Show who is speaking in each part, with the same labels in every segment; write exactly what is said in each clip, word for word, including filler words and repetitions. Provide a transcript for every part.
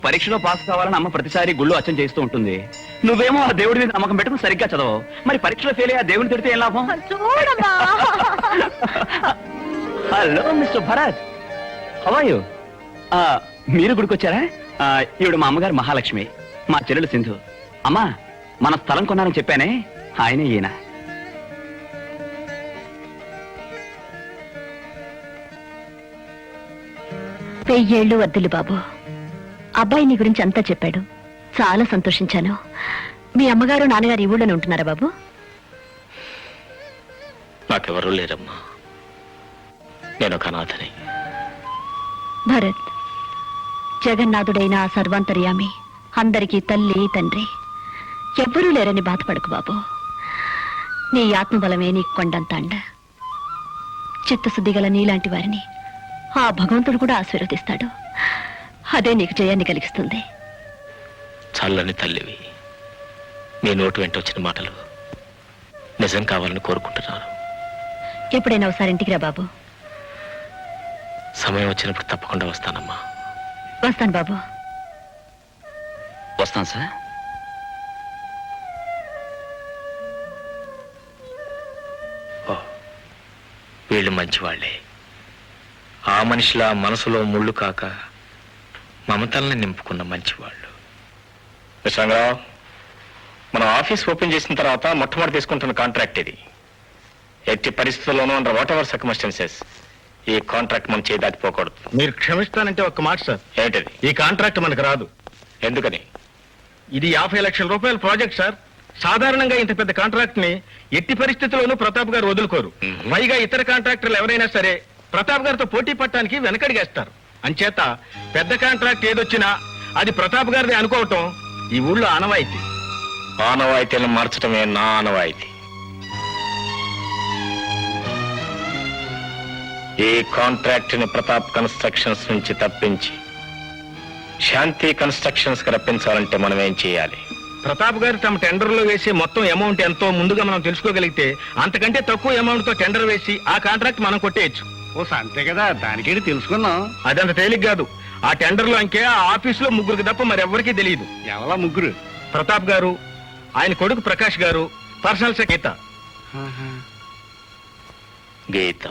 Speaker 1: పరీక్షలో పాస్ కావాలని అమ్మ ప్రతిసారి గుళ్ళు అచ్చం చేస్తూ ఉంటుంది. నువ్వేమో ఆ దేవుడి మీద నమ్మకం పెట్టుకుని సరిగ్గా చదవు. మరి పరీక్షలో ఫెయిల్ అయ్యి ఆ దేవుడిని తిడితే ఏం లాభం?
Speaker 2: చూడమ్మా.
Speaker 1: Hello mister Bharat, how are you? మీరు గుడికొచ్చారా? ఈవిడ మా అమ్మగారు మహాలక్ష్మి, మా చెల్లెలు సింధు. అమ్మా, మన స్థలం కొన్నారని చెప్పానే, ఆయనే ఈయన.
Speaker 2: వెయ్యేళ్ళు వద్దులు బాబు. అబ్బాయి నీ గురించి అంతా చెప్పాడు, చాలా సంతోషించాను. మీ అమ్మగారు నాన్నగారు ఈ ఊళ్ళోనే ఉంటున్నారా బాబు?
Speaker 3: నాకెవరూ లేరమ్మా, నేను ఒక అనాథని.
Speaker 2: భరత్, జగన్నాథుడైన ఆ సర్వాంతర్యామి అందరికీ తల్లి తండ్రి, ఎవ్వరూ లేరని బాధపడకు బాబు. నీ ఆత్మబలమే నీకు కొండంత అండ. చిత్తశుద్ధి గల నీలాంటి వారిని ఆ భగవంతుడు కూడా ఆశీర్వదిస్తాడు. అదే నీకు జయాన్ని కలిగిస్తుంది.
Speaker 3: చల్లని తల్లివి, మీ నోటు వెంట వచ్చిన మాటలు నిజం కావాలని కోరుకుంటున్నాను.
Speaker 2: ఎప్పుడైనా ఒకసారి ఇంటికి రా బాబు.
Speaker 3: సమయం వచ్చినప్పుడు తప్పకుండా వస్తానమ్మా.
Speaker 2: వస్తాను బాబు.
Speaker 1: వస్తాను సార్.
Speaker 3: ఓ, వీళ్ళు మంచివాళ్లే. ఆ మనిషిలా మనసులో ముళ్ళు కాక మమతల్ని నింపుకున్న మంచివాళ్ళు. విశ్వంగరావు, మనం ఆఫీస్ ఓపెన్ చేసిన తర్వాత మొట్టమొదటి తీసుకుంటున్న కాంట్రాక్ట్ ఇది. ఎట్టి పరిస్థితుల్లోనూ అండర్ వాట్ ఎవర్ సర్కమ్స్టాన్సెస్ ఈ కాంట్రాక్ట్ మనం చేయి దాటిపోకూడదు.
Speaker 4: మీరు క్షమిస్తానంటే ఒక్క మాట సార్.
Speaker 3: ఏంటది?
Speaker 4: ఈ కాంట్రాక్ట్ మనకు రాదు.
Speaker 3: ఎందుకని?
Speaker 4: ఇది యాభై లక్షల రూపాయల ప్రాజెక్ట్ సార్. సాధారణంగా ఇంత పెద్ద కాంట్రాక్ట్ ని ఎట్టి పరిస్థితుల్లోనూ ప్రతాప్ గారు వదులుకోరు. పైగా ఇతర కాంట్రాక్టర్లు ఎవరైనా సరే ప్రతాప్ గారితో పోటీ పట్టడానికి వెనకడిగేస్తారు. అంచేత పెద్ద కాంట్రాక్ట్ ఏదొచ్చినా అది ప్రతాప్ గారిది అనుకోవటం ఈ ఊళ్ళో ఆనవాయితీ.
Speaker 3: ఆనవాయితీలను మార్చడమే నా ఆనవాయితీ. ఈ కాంట్రాక్ట్ ని ప్రతాప్ కన్స్ట్రక్షన్స్ నుంచి తప్పించి శాంతి కన్స్ట్రక్షన్స్ కి రప్పించాలంటే మనం ఏం చేయాలి?
Speaker 4: ప్రతాప్ గారు తమ టెండర్ లో వేసే మొత్తం అమౌంట్ ఎంతో ముందుగా మనం తెలుసుకోగలిగితే అంతకంటే తక్కువ అమౌంట్ తో టెండర్ వేసి ఆ కాంట్రాక్ట్ మనం కొట్టేయచ్చు.
Speaker 5: ఓ అంతే కదా, దానికేంటి తెలుసుకున్నాం.
Speaker 4: అదంత తేలిక కాదు. ఆ టెండర్ లో అంకే ఆ ఆఫీస్ లో ముగ్గురికి తప్ప మరెవ్వరికీ తెలియదు.
Speaker 5: ఎవరా ముగ్గురు?
Speaker 4: ప్రతాప్ గారు, ఆయన కొడుకు ప్రకాష్ గారు, personal secretary Geeta.
Speaker 3: Geeta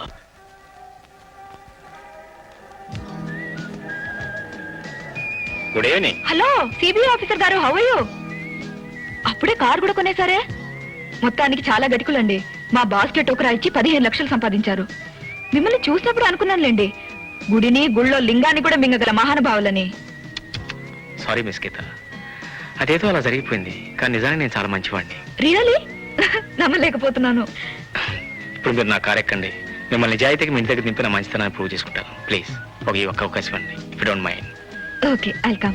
Speaker 3: good evening.
Speaker 2: Hello CBI officer గారు, హౌ ఆర్ యు? అప్పుడే కారు కూడా కొనేసారే. మొత్తానికి చాలా గటికులండి. మా బాస్కెట్ టోకరా ఇచ్చి పదిహేను లక్షలు సంపాదించారు. మిమ్మల్ని చూసినప్పుడు అనుకున్నానులేండి, గుడిని గుళ్ళో లింగాన్ని కూడా మింగగల మహానుభావులని.
Speaker 3: సారీ మిస్ గీత, అదేదో అలా జరిగిపోయింది. కానీ నిజానికి నేను చాలా మంచివాడిని.
Speaker 2: రియలీ? నమ్మలేకపోతున్నాను.
Speaker 3: ఇప్పుడు మీరు నా కారు ఎక్కండి. మిమ్మల్ని నిజాయితీకి మీ ఇంటి దగ్గర దింపి నా మంచితనాన్ని ప్రూవ్ చేసుకుంటాను. ప్లీజ్ ఒక ఈ ఒక్క అవకాశం అండి, if you don't mind.
Speaker 2: Okay, I'll come.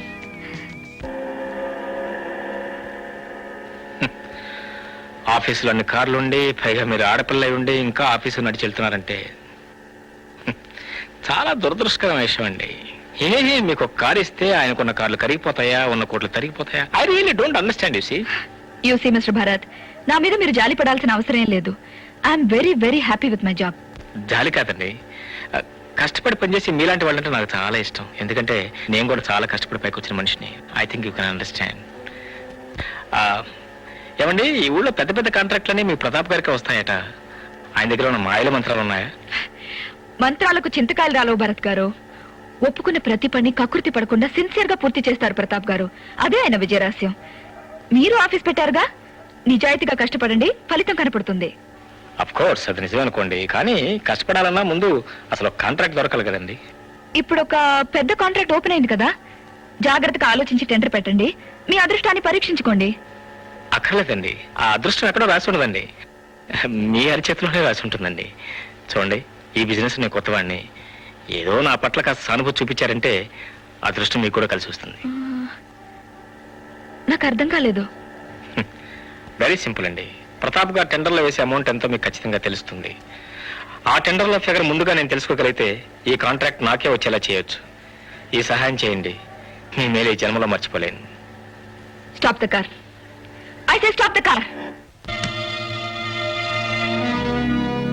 Speaker 3: ఆఫీసులో అన్ని కార్లు ఉండి, పైగా మీరు ఆడపిల్ల ఉండి ఇంకా ఆఫీసు నడిచి వెళ్తున్నారంటే చాలా దురదృష్టకరమైన విషయం అండి. ఏ మీకు ఒక కారు ఇస్తే ఆయనకున్న కార్లు కరిగిపోతాయా, ఉన్న కోట్లు తరిగిపోతాయా? I really don't understand. You see
Speaker 2: you see mister Bharat, నా మీద మీరు జాలి పడాల్సిన అవసరం ఏం లేదు. I'm very very happy with my job.
Speaker 3: జాలి కాదండి, కష్టపడి పనిచేసి మీలాంటి వాళ్ళంటే నాకు చాలా ఇష్టం. ఎందుకంటే నేను కూడా చాలా కష్టపడి పైకి వచ్చిన మనిషిని. I think you can understand. ఏమండి, ఈ ఊళ్ళో పెద్ద పెద్ద కాంట్రాక్ట్లన్నీ మీ ప్రతాప్ గారికి వస్తాయట. ఆయన దగ్గర ఉన్న మాయల మంత్రాలు ఉన్నాయా?
Speaker 2: మంత్రాలకు చింతకాయలు రాలవు భరత్ గారు. ఒప్పుకున్న ప్రతి పని కకృతి పడకుండా సిన్సియర్ గా పూర్తి చేస్తారు ప్రతాప్ గారు. అదే ఆయన విజయరహస్యం. మీరు ఆఫీస్ పెట్టారుగా, నిజాయితీగా కష్టపడండి, ఫలితం కనపడుతుంది.
Speaker 3: అఫ్ కోర్స్, అది నిజమే అనుకోండి. కానీ కష్టపడాలన్నా ముందు అసలు కాంట్రాక్ట్ దొరకాలి కదండి.
Speaker 2: ఇప్పుడు ఒక పెద్ద కాంట్రాక్ట్ ఓపెన్ అయింది కదా, జాగ్రత్తగా ఆలోచించి టెండర్ పెట్టండి. మీ అదృష్టాన్ని పరీక్షించుకోండి.
Speaker 3: అక్కర్లేదండి, ఆ అదృష్టం ఎక్కడో రాసి ఉండదండి, మీ అరిచేతిలోనే రాసి ఉంటుందండి. చూడండి, ఈ బిజినెస్ నేను కొత్తవాడిని. ఏదో నా పట్ల కాస్త సానుభూతి చూపించారంటే అదృష్టం మీకు కూడా కలిసి వస్తుంది.
Speaker 2: నాకు అర్థం కాలేదు.
Speaker 3: వెరీ సింపుల్ అండి. ప్రతాప్ గారు టెండర్లో వేసే అమౌంట్ ఎంతో మీకు ఖచ్చితంగా తెలుస్తుంది. ఆ టెండర్లో ఫిగర్ ముందుగా నేను తెలుసుకోగలిగితే ఈ కాంట్రాక్ట్ నాకే వచ్చేలా చేయొచ్చు. ఈ సహాయం చేయండి, మీ మేలు ఈ జన్మలో మర్చిపోలేను.
Speaker 2: Stop the car. I say stop the car.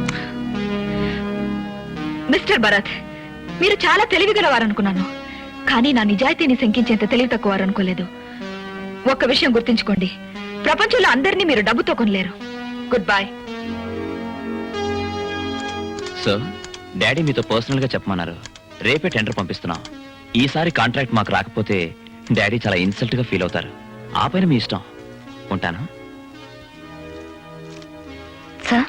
Speaker 2: Mister Bharat, మీరు చాలా తెలివిగలవారనుకున్నాను. కానీ నా నిజాయితీని శంకించేంత తెలివి తక్కువ వారు అనుకోలేదు. ఒక్క విషయం గుర్తుంచుకోండి, ప్రపంచంలో అందరినీ మీరు డబ్బుతో కొనలేరు. Goodbye.
Speaker 1: సో డాడీ మీతో పర్సనల్ గా చెప్పమన్నారు. రేపే టెండర్ పంపిస్తున్నాం. ఈసారి కాంట్రాక్ట్ మాకు రాకపోతే డాడీ చాలా ఇన్సల్ట్ గా ఫీల్ అవుతారు. ఆ పైన మీ ఇష్టం. ఉంటాను.
Speaker 2: సార్,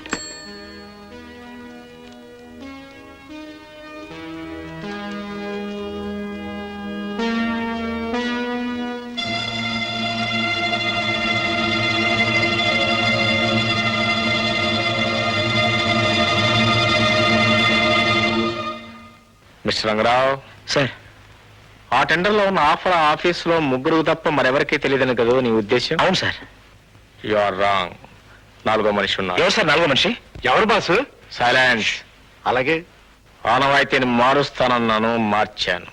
Speaker 3: మిస్టర్ రంగరావు
Speaker 1: సార్,
Speaker 3: ఆ టెండర్ లో ఉన్న ఆఫర్ ఆఫీస్ లో ముగ్గురు తప్ప మరెవరికీ తెలియదని కదా నీ ఉద్దేశం?
Speaker 1: అవును సార్.
Speaker 3: You are wrong. నాలుగో మనిషి ఉన్నారు.
Speaker 1: ఎవరు సార్ నాలుగో మనిషి?
Speaker 5: ఎవరు బాసు?
Speaker 3: సైలెన్స్.
Speaker 5: అలాగే.
Speaker 3: ఆనవాయితీని మారుస్తానన్నాను, మార్చాను.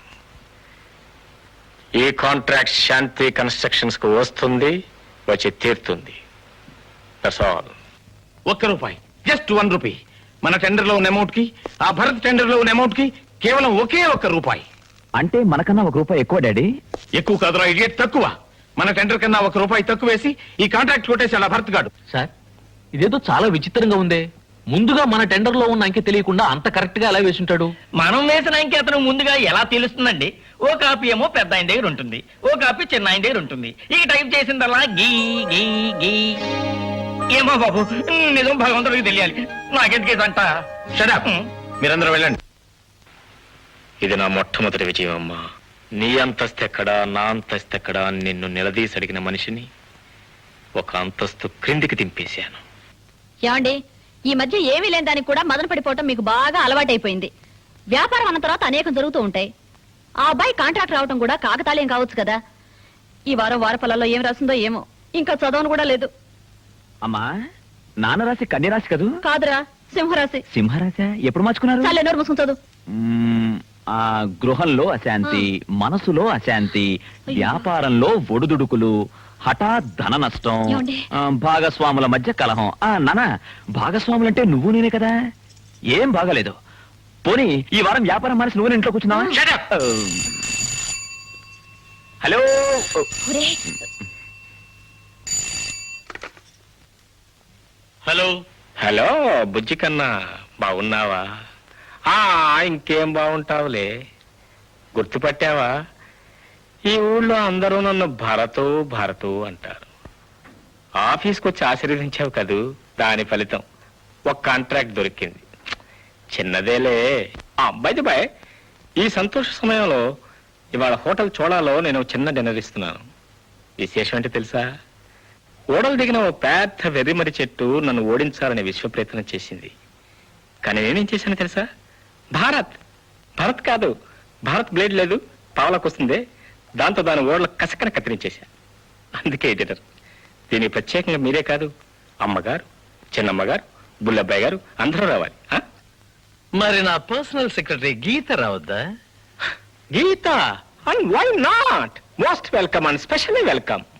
Speaker 3: ఈ కాంట్రాక్ట్ శాంతి కన్స్ట్రక్షన్స్ కు వస్తుంది, వచ్చి తీరుతుంది. That's all.
Speaker 4: ఒక్క రూపాయి, జస్ట్ వన్ రూపీ. మన టెండర్ లో ఉన్న అమౌంట్ కి, ఆ భరత్ టెండర్ లో ఉన్న అమౌంట్ కి కేవలం ఒకే ఒక్క రూపాయి.
Speaker 1: అంటే మనకన్నా ఒక రూపాయి ఎక్కువ డాడీ.
Speaker 4: ఎక్కువ కాదురా ఇడియట్, తక్కువ. మన టెండర్ కన్నా ఒక రూపాయి తక్కువ వేసి ఈ కాంట్రాక్ట్ కొట్టేసి అలా భరత్ గాడు.
Speaker 6: సార్, ఇదేదో చాలా విచిత్రంగా ఉందే. ముందుగా మన టెండర్ లో ఉన్న అంకె తెలియకుండా అంత కరెక్ట్ గా ఎలా వేసుంటాడు?
Speaker 7: మనం వేసిన అంకె అతను ముందుగా ఎలా తెలుస్తుందండి? ఓ కాపీ ఏమో పెద్ద ఆయన దగ్గర ఉంటుంది, ఓ కాపీ చిన్న ఆయన దగ్గర ఉంటుంది. ఈ టైప్ చేసిందల్లా గీ గీ గీ. ఏమో బాబు, నిజం భగవంతుడికి తెలియాలి. నాకెందుకు అంట.
Speaker 4: Shut up. మీరందరూ వెళ్ళండి.
Speaker 3: ఇది నా మొట్టమొదటి విజయం అమ్మా. నీ అంతస్తు ఎక్కడా, నా అంతస్తు ఎక్కడా అని నిన్ను నిలదీసి అడిగిన మనిషిని ఒక అంతస్తు క్రిందికి దింపేశాను.
Speaker 8: ఏమండి, ఈ మధ్య ఏమీ లేని దానికి కూడా మదన పడిపోవటం మీకు బాగా అలవాటైపోయింది. వ్యాపారం అన్న తర్వాత అనేకం జరుగుతూ ఉంటాయి. ఆ అబ్బాయి కాంట్రాక్ట్ రావటం కూడా కాకతాళీయం కావచ్చు కదా. ఈ వారం వారఫలాల్లో ఏం రాసిందో ఏమో, ఇంకా చదవను కూడా లేదు.
Speaker 1: అమ్మా, నాన్న రాశి కన్య రాశి కదూ?
Speaker 8: కాదురా, సింహరాశి.
Speaker 1: సింహరాశి ఎప్పుడు మార్చుకున్నారు?
Speaker 8: చాలే, నోరు మూసుకుని చదువు.
Speaker 1: మ్మ్, ఆ గృహంలో అశాంతి, మనసులో అశాంతి, వ్యాపారంలో ఒడుదుడుకులు, హఠాత్ ధన నష్టం,
Speaker 8: ఏమండి?
Speaker 1: ఆ, భాగస్వాముల మధ్య కలహం. ఆ నాన్న, భాగస్వాములంటే నువ్వు నేనే కదా. ఏం బాగాలేదు. పోనీ ఈ వారం వ్యాపారం మానేసి నువ్వు ఇంట్లో కూర్చున్నావా?
Speaker 4: Shut up.
Speaker 1: ఆ, హలో.
Speaker 8: ఒరే,
Speaker 3: హలో హలో బుజ్జి కన్నా, బాగున్నావా? ఆ ఇంకేం బాగుంటావులే. గుర్తుపట్టావా? ఈ ఊళ్ళో అందరూ నన్ను భరతు భరతు అంటారు. ఆఫీస్కి వచ్చి ఆశీర్వదించావు కదూ, దాని ఫలితం ఒక కాంట్రాక్ట్ దొరికింది. చిన్నదేలే. ఆ అబ్బాయిది బాయ్, ఈ సంతోష సమయంలో ఇవాళ హోటల్ చోళాలో నేను చిన్న డిన్నర్ ఇస్తున్నాను. విశేషం ఏంటి తెలుసా? ఓడలు దిగిన ఓ పెద్ద వెర్రిమరి చెట్టు నన్ను ఓడించాలనే విశ్వ ప్రయత్నం చేసింది. కానీ నేనేం చేశాను తెలుసా? భారత్ భారత్ కాదు, భారత్ బ్లేడ్ లేదు, పావలకు వస్తుంది, దాంతో దాని ఓడల కసకన కత్తిరించేశా. అందుకే ఎడిటర్, దీనికి ప్రత్యేకంగా మీరే కాదు, అమ్మగారు, చిన్నమ్మగారు, బుల్లబ్బాయి గారు అందరూ రావాలి. ఆ?
Speaker 6: మరి నా పర్సనల్ సెక్రటరీ గీత రావద్దా?
Speaker 3: Geeta, and why not? Most welcome and specially welcome.